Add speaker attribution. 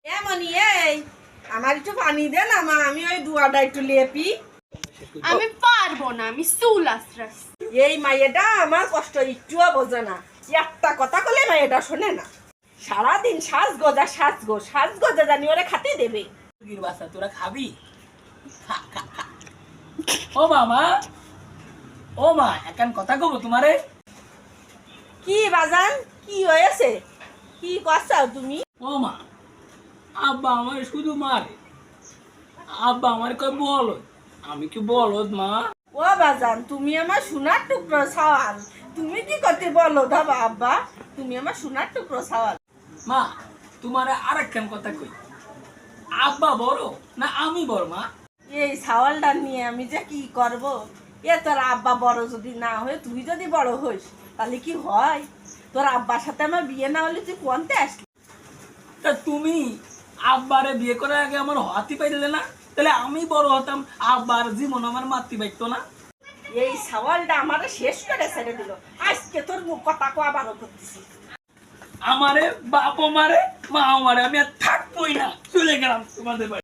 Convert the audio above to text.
Speaker 1: এমনই এই আমার একটু পানি দে না মা, আমি ওই দুয়াটা একটু লেপি।
Speaker 2: আমি পারবো না, আমি চুল আশ্রাস।
Speaker 1: এই মাইয়েটা আমার কষ্ট একটুও বোঝে না, একটা কথা বলে মাইয়েটা শোনে না। সারাদিন সাজগোজা সাজগোজা জানি ওরে খাতে দেবে।
Speaker 3: বাচ্চা তোরা খাবি? খা খা খা। ও মামা, ও মা, এখন কথা কব তোমারে।
Speaker 1: কি বাজান, কি হয়েছে, কি করছাও তুমি?
Speaker 3: ও মা, আব্বা আমার শুধু মারে। আব্বা আমার কয় বলদ, আমি কি বলদ মা?
Speaker 1: ও বাজান, তুমি আমার সোনার টুকরো সওয়াল, তুমি কি করতে বলো দাবা আব্বা? তুমি আমার সোনার টুকরো সওয়াল।
Speaker 3: মা, তোমারে আরেকখান কথা কই, আব্বা বড় না আমি বড় মা?
Speaker 1: এই সওয়ালটা নিয়ে আমি যে কি করব? এ তোর আব্বা বড় যদি না হয়ে তুই যদি বড় হইস তাহলে কি হয়? তোর আব্বার সাথে আমার বিয়ে না হলে তুই কোনতে আসলি?
Speaker 3: তা তুমি আব্বারে বিয়ে করার আগে আমার হাতি পাইলে না, তাহলে আমি বড় হতাম, আব্বার জীবন আমার মাতৃ পাইতো না।
Speaker 1: এই সওয়ালটা আমারে শেষ করে ছেড়ে দিল। আজকে তোর মুখ কথা কয়া বারো করতেছি।
Speaker 3: আমারে বাপ মারে, মা মারে, আমি আর থাকবোই না, চলে গেলাম তোমাদের বাড়ি।